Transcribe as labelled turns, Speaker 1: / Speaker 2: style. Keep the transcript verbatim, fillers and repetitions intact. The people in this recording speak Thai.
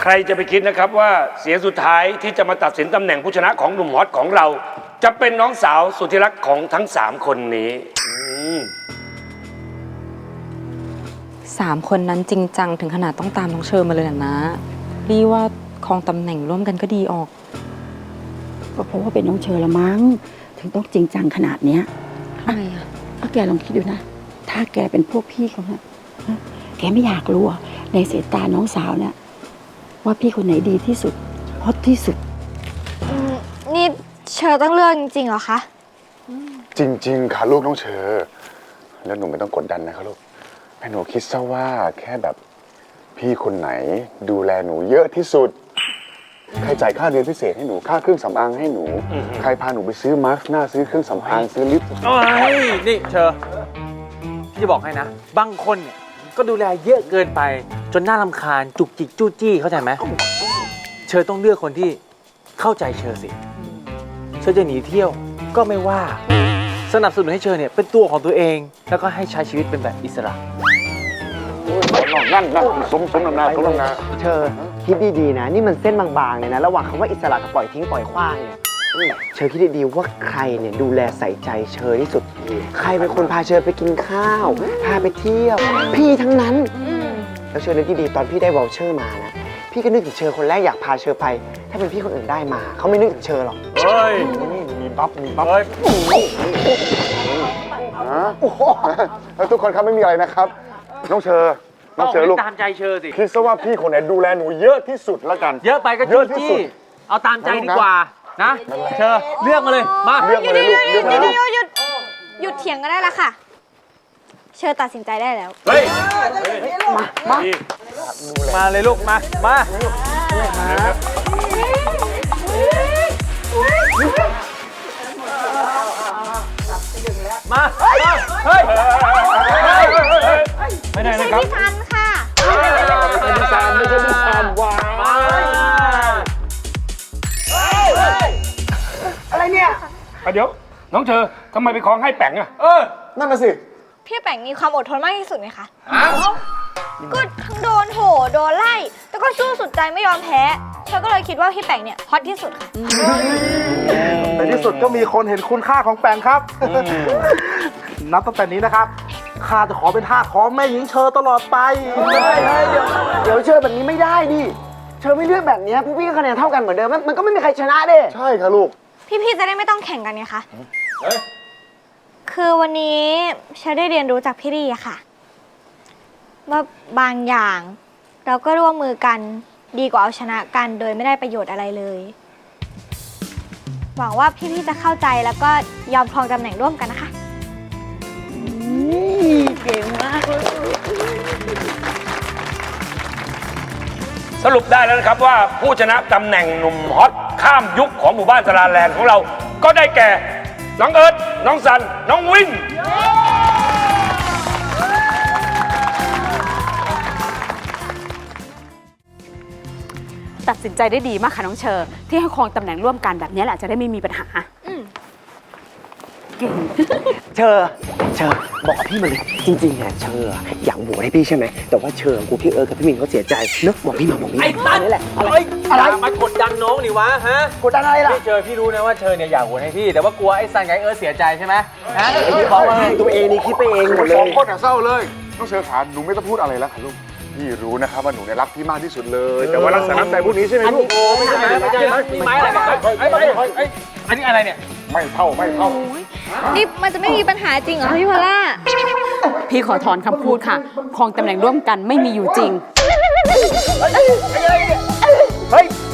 Speaker 1: รจะไปคิดนะครับว่าเสียงสุดท้ายที่จะมาตัดสินตำแหน่งผู้ชนะของหนุ่มฮอตของเรา จะเป็นน้องสาวสุดที่รักของทั้งสามคนนี้
Speaker 2: สามคนนั้นจริงจังถึงขนาดต้องตามน้องเชอมาเลยนะรีว่าครองตำแหน่งร่วมกันก็ดีออก
Speaker 3: ก็เพราะว่าเป็นน้องเชอละมั้งถึงต้องจริงจังขนาดเนี้ย
Speaker 2: ทำไมอ่ะ
Speaker 3: ก็แกลองคิดดูนะถ้าแกเป็นพวกพี่เขาเนี่ยแกไม่อยากรู้ในสายตาน้องสาวเนี่ยว่าพี่คนไหนดีที่สุดฮอตที่สุด
Speaker 4: นี่เชอต้องเลือกจริงๆเหรอคะ
Speaker 5: จริงๆค่ะลูกน้องเชอแล้วหนูไม่ต้องกดดันนะคะลูกให้หนูคิดซะว่าแค่แบบพี่คนไหนดูแลหนูเยอะที่สุดใครจ่ายค่าเรียนพิเศษให้หนูค่าเครื่องสำอางให้หนูใครพาหนูไปซื้อมาสก์หน้าซื้อเครื่องสำอางซื้อลิป
Speaker 6: โอ้ยนี่เชอพี่จะบอกให้นะบางคนเนี่ยก็ดูแลเยอะเกินไปจนน่ารำคาญจุกจิกจู้จี้เข้าใจไหมเชอต้องเลือกคนที่เข้าใจเชอสิเชอจะหนีเที่ยวก็ไม่ว่าสนับสนุนให้เชอเนี่ยเป็นตัวของตัวเองแล้วก็ให้ใช้ชีวิตเป็นแบบอิสระ
Speaker 5: นั่นนั่นสมสมนำนาสมนำนา
Speaker 7: เชอคิดดีๆนะนี่มันเส้นบางๆเลยนะระหว่างคำว่าอิสระกับปล่อยทิ้งปล่อยขว้างเนี่ยเชอคิดดีๆว่าใครเนี่ยดูแลใส่ใจเชอที่สุดใครเป็นคนพาเชอไปกินข้าวพาไปเที่ยวพี่ทั้งนั้นแล้วเชอนึกดีๆตอนพี่ได้วอลเชอร์มานะพี่ก็นึกถึงเชอคนแรกอยากพาเชอไปถ้าเป็นพี่คนอื่นได้มาเขาไม่นึกถึงเชอหรอก
Speaker 6: เฮ้ย
Speaker 5: มีบัฟมีบัฟแล้วทุกคนครับไม่มีอะไรนะครับน้องเชอน้องเชอลูก
Speaker 6: ตามใจเชอสิ
Speaker 5: คิดซะว่าพี่คนไหนดูแลหนูเยอะที่สุดแล้วกัน
Speaker 6: เยอะไปก็จู้จี้เอาตามใจดีกว่านะเชอเลือกมาเลยมา
Speaker 5: เลือกมาเลยลูกเลือกมาเลย
Speaker 4: หยุดหยุดหยุดเถียงกันได้แล้วค่ะเชอตัดสินใจได้แล้ว
Speaker 6: เฮ้ยมามามาเลยลูกมามามาเฮ้ย
Speaker 1: ไม่ได้นะครับ
Speaker 4: พี่ซันค่ะ
Speaker 5: ไม่ใช่พี่ซันไม่ใช่พี่ซันว้าว
Speaker 7: อะไรเนี่ย
Speaker 1: เดี๋ยวน้องเชอทำไมไปคล้องให้แป๋งอะ
Speaker 5: เออนั่นน่ะสิ
Speaker 4: พี่แป๋งมีความอดทนมากที่สุดไหมคะก็ทั้งโดนโหโดนไล่แต่ก็สู้สุดใจไม่ยอมแพ้เชอก็เลยคิดว่าพี่แป๋งเนี่ยฮอตที่สุดค่ะ
Speaker 8: ในที่สุดก็มีคนเห็นคุณค่าของแปงครับนับตั้งแต่นี้นะครับข้าจะขอเป็นทาสของแม่หญิงเชอตลอดไป
Speaker 7: เดี๋ยวเดี๋ยวเชอแบบนี้ไม่ได้ดิเชอไม่เลือกแบบนี้พวกพี่ก็คะแนนเท่ากันเหมือนเดิมมันก็ไม่มีใครชนะเด้
Speaker 5: ใช่ค่ะลูก
Speaker 4: พี่ๆจะได้ไม่ต้องแข่งกันไงคะคือวันนี้เชอได้เรียนรู้จากพี่ดีอะค่ะว่าบางอย่างเราก็ร่วมมือกันดีกว่าเอาชนะกันโดยไม่ได้ประโยชน์อะไรเลยหวังว่าพี่ๆจะเข้าใจแล้วก็ยอมครองตำแหน่งร่วมกันนะคะ
Speaker 3: เก่งมากเลย
Speaker 1: สรุปได้แล้วนะครับว่าผู้ชนะตำแหน่งหนุ่มฮอตข้ามยุคของหมู่บ้านสลาแลนด์ของเราก็ได้แก่น้องเอิร์ธน้องซันน้องวิน
Speaker 3: ตัดสินใจได้ดีมากค่ะน้องเชอที่ให้ครองตำแหน่งร่วมกันแบบนี้แหละจะได้ไม่มีปัญหาเก่ง
Speaker 7: เชอเชอบอกพี่มาเลยจริงๆอ่ะเชออยากโหวตให้พี่ใช่ไหมแต่ว่าเชอกูพี่เอิร์ธกับพี่มินเขาเสียใจเนอะบอกพี่มาบอกพี่
Speaker 6: ไอ้ตัน
Speaker 7: นี่แหละ
Speaker 6: อะไรอะไรมากดดันน้องนี่วะฮะ
Speaker 7: กดดันอะไรล่ะ
Speaker 6: พี่เชอพี่รู้นะว่าเชอเนี่ยอยากโหวตให้พี่แต่ว่ากลัวไอ้ซันกับไอ้เอิร์ธเสียใจใช่ไหมฮะ
Speaker 7: พี่บอกว่าตัวเองนี่คิดไปเองหมดเลย
Speaker 5: สองคนเศร้าเลยน้องเชอขาหนูไม่ต้องพูดอะไรแล้วค่ะลูกพี่รู้นะครับว่าหนูเนี่ยรักพี่มากที่สุดเลยแต่ว่ารักษาน้ำใจพวกนี้ใช่ไหมลูก
Speaker 6: ไม่ใช่ไม่ใช่มีไม้อะไรกันไอ้ไม้ไอ้อันนี้อะไรเนี่ย
Speaker 5: ไม่เท่าไม่เท่า
Speaker 4: นี่มันจะไม่มีปัญหาจริงเหรอพี่พอลล่า
Speaker 3: พี่ขอถอนคำพูดค่ะครองตำแหน่งร่วมกันไม่มีอยู่จริง
Speaker 7: เฮ้ย